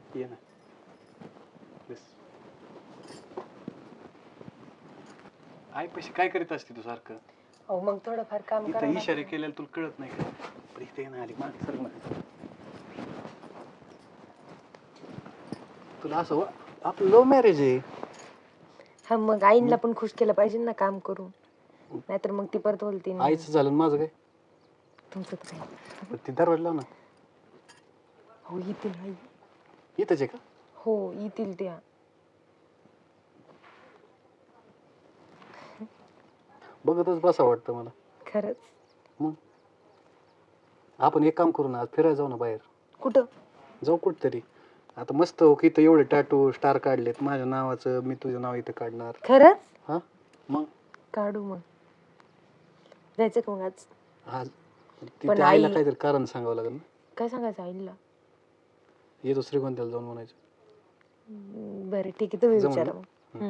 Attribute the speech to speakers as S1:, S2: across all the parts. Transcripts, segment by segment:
S1: ये ना बस. आई पैसे काय करीत असते तू सारखं?
S2: हो मग थोडंफार काम
S1: इथं
S2: करावं
S1: इशारे
S2: लागतं.
S1: केलेले तुला कळत नाही का? पण इथे ना आली मागे सर ना. तुला असं आपलं लव्ह मॅरेज आहे.
S2: हा मग आईला पण खुश केलं पाहिजे ना काम करून, नाहीतर मग ती परत बोलते
S1: आईचं झालं आणि माझं काय?
S2: तुमचं तर काय.
S1: पण ती दरवाजा लाव ना.
S2: हो येतील आई.
S1: इथंच आहे का?
S2: हो येतील त्या.
S1: बघतच बसा वाटतं मला.
S2: खरंच.
S1: मग आपण एक काम करू ना, आज फिरायला जाऊ ना बाहेर.
S2: कुठं?
S1: जाऊ कुठतरी. आता मस्त हो की इथं एवढे टॅटू स्टार काढलेत माझ्या नावाचं, मी तुझं नाव इथं काढणार.
S2: खरंच
S1: हा मग
S2: काढू मग. जायचं का मग आज?
S1: आज
S2: पण
S1: तिथे आईला
S2: आई
S1: काहीतरी कारण सांगावं लागेल ना.
S2: काय सांगायचं आईला?
S1: येतो श्रीगोंद्याला जाऊन म्हणायचं.
S2: बरं ठीक आहे, तुम्ही
S1: जमलं
S2: विचारा
S1: ना?
S2: मग.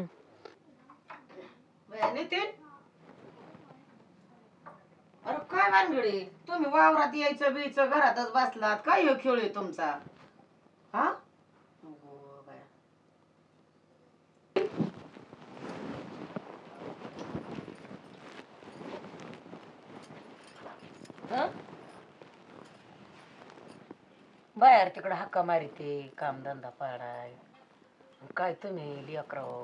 S3: नितीन, अरे काय भानगडी, तुम्ही वावरात यायचं बीचं घरातच बसलात, काय ह्यो खेळ आहे तुमचा? हा अगो बाया. हं? बाहेर तिकडं हक्का मारिते कामधंदा पाडाय, काय तुम्ही लेकराव?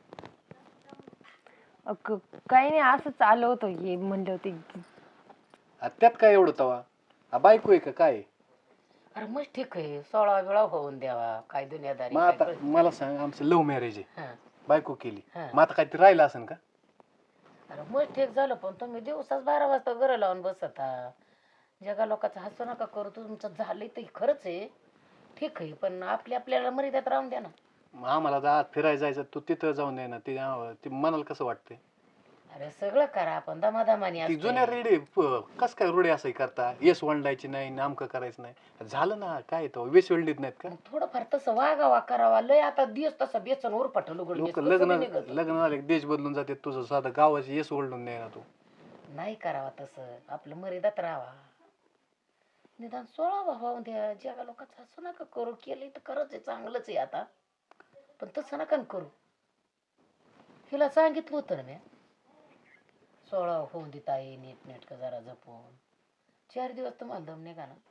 S2: काही नाही, असंच आलो होतो ये म्हणले होते.
S1: त्यात काय एवढं तवा? हा बायको आहे का काय?
S3: अरे मग ठीक आहे, 16 वेळा होऊन द्यावा, काय दुनियादारी
S1: मग
S3: काय
S1: आता
S3: कळत.
S1: मला सांग, आमचं लव्ह मॅरेज आहे,
S3: हं,
S1: बायको केली,
S3: हं.
S1: मग आता काहीतरी राहिलं असेल का?
S3: अरे मग ठीक झालं, पण तुम्ही दिवसाच 12 वाजता घरं लावून बसता. जगा लोकांचं हसू नका करू, तुमचं झालंय तर खरंच आहे, ठीक आहे, पण आपल्याला मर्यादेत राहून द्या ना.
S1: मग आम्हाला आता आज फिरायला जायचं, तू तिथं जाऊन दे ना. ते मनाला कसं वाटतंय?
S3: अरे सगळं करा, पण दमादमानी
S1: ती
S3: असते.
S1: जुन्या रेडी कस काय रुढी असं करता, येस वंडायची नाही, नामकं करायचं नाही, झालं ना काय तो वेस वेल्डीत नाहीत का?
S3: मग थोडंफार तसं वागावा करावा, लय आता दिवस तसं बेसन उरपाट
S1: लोक लग्न झाले की देश बदलून जाते, तुझं साधं गावाची येस ओल्डून नाही ना तू.
S3: नाही करावा तसं, आपलं मर्यादात राहावा. निदान 16 होऊन द्या, जगा लोकांचं हसू नका करू, केलं तर खरंच आहे, चांगलंच आहे आता, पण तसं नका न करू. हिला सांगितलं होतं ना मी, 16 होऊन देता ये नीट नेटकं जरा जपून. 4 दिवस तुम्हाला दम निघा ना.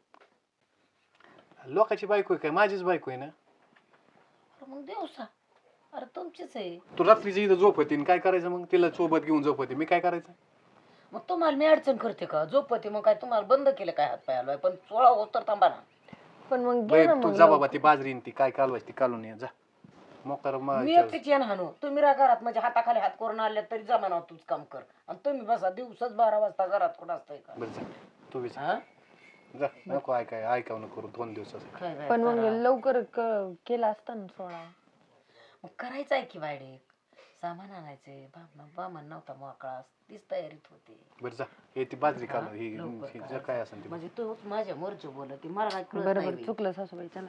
S1: लोकांची बायको आहे काय, माझीच बायको आहे ना.
S3: अरे मग दिवसा, अरे तुमचीच आहे.
S1: तू रात्रीची इथं झोपती आणि काय करायचं मग? तिला सोबत घेऊन झोपती, मी काय करायचं?
S3: मग तुम्हाला मी अडचण करते का झोपते? मग काय तुम्हाला बंद केलं काय हात पाय हलवाय? पण 16 होत तर थांबा ना.
S2: पण मग
S1: बाई
S2: घ्या ना
S1: तू
S2: मग
S1: जा बाबा,
S2: लवकर.
S1: ती बाजरी ती काय कालवायची ती कालून ये जा. मोकार
S3: मी एकटीच येण हाणू, तुम्ही रा घरात म्हणजे हाताखाली हात करून आले तरी जमाना तूच काम कर, आणि तुम्ही बसा दिवसाच 12 वाजता घरात कुठं असतंय का?
S1: बरं जा, तू विचार
S3: हा?
S1: जा, नको ऐकावं नको करू 2 दिवसाचं.
S3: काय बाई
S2: पण मग
S3: करा.
S2: लवकर केला असता ना 16.
S3: मग करायचं आहे की वाडे, सामान आणायचे, बामण नव्हता मोकळा, तीच तयारीत होती.
S1: बरं जा, हे ती बाजरी
S3: हा?
S1: कालून ही
S3: लवकर
S1: ही
S3: करायचं.
S1: काय असेल ती.
S3: म्हणजे तूच माझ्या मोरची बोलती, मला काय कळत
S2: बरोबर
S3: नाही बाई.
S2: चुकलं सासूबाई, चला.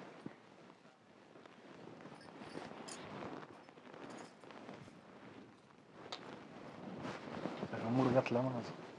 S1: मूड घातला म्हणा.